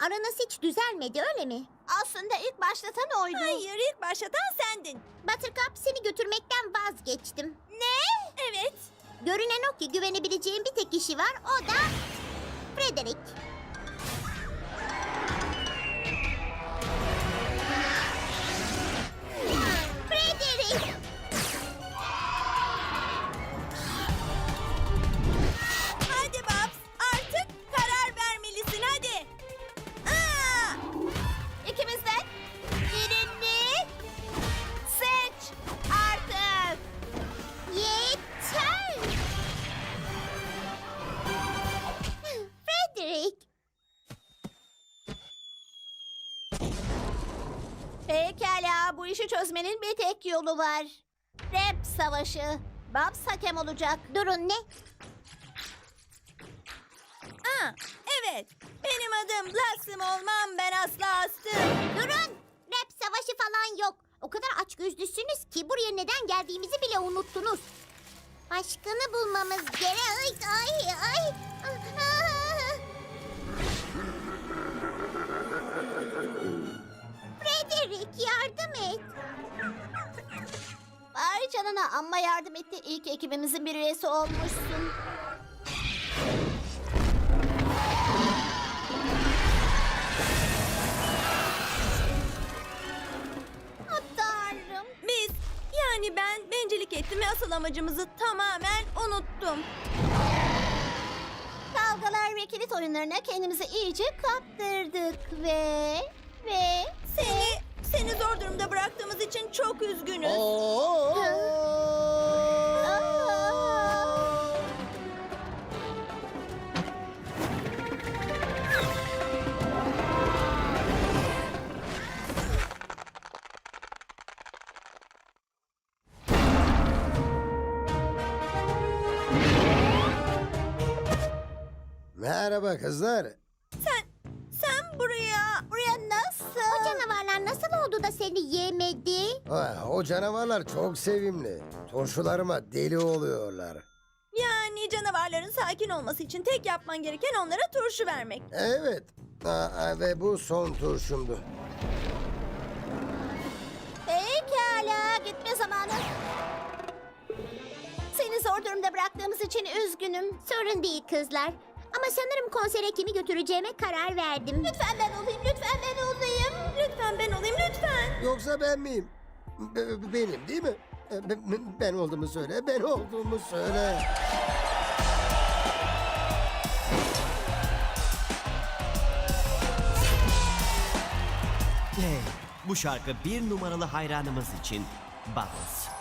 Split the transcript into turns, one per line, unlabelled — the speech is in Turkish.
aranız hiç düzelmedi öyle mi?
Aslında ilk başlatan oydu.
Hayır, ilk başlatan sendin.
Buttercup, seni götürmekten vazgeçtim.
Ne? Evet.
Görünen o ki güvenebileceğim bir tek kişi var, o da Frederick. Frederick!
Hadi Babs, artık karar vermelisin hadi. Aa!
İkimizden birini seç artık.
Yeter! Frederick!
Pekala, bu işi çözmenin bir tek yolu var. Rap savaşı. Babs hakem olacak.
Durun, ne?
Aa, evet. Benim adım Blossom olmam, ben asla astım.
Durun! Rap savaşı falan yok. O kadar açgözlüsünüz ki buraya neden geldiğimizi bile unuttunuz. Başkanı bulmamız gerek. Ay ay. Frederick, yardım et.
Vay canına, amma yardım etti. İlk ekibimizin bir üyesi olmuşsun. Oh, Tanrım.
Biz, yani ben bencillik ettim ve asıl amacımızı tamamen unuttum.
Kavgalar ve kilit oyunlarına kendimizi iyice kaptırdık ve...
Seni zor durumda bıraktığımız için çok üzgünüz.
Merhaba kızlar.
Sen buraya
Nasıl?
O canavarlar nasıl oldu da seni yemedi?
O canavarlar çok sevimli. Turşularıma deli oluyorlar.
yani canavarların sakin olması için tek yapman gereken onlara turşu vermek.
Evet. Ve bu son turşumdu.
Pekala, gitme zamanı. Seni zor durumda bıraktığımız için üzgünüm.
Sorun değil kızlar. Ama sanırım konsere kimi götüreceğime karar verdim.
Lütfen ben olayım, lütfen ben olayım.
Lütfen ben olayım, lütfen.
Yoksa ben miyim? Benim değil mi? Ben olduğumu söyle. Ben olduğumu söyle.
Hey, bu şarkı bir numaralı hayranımız için Bubbles.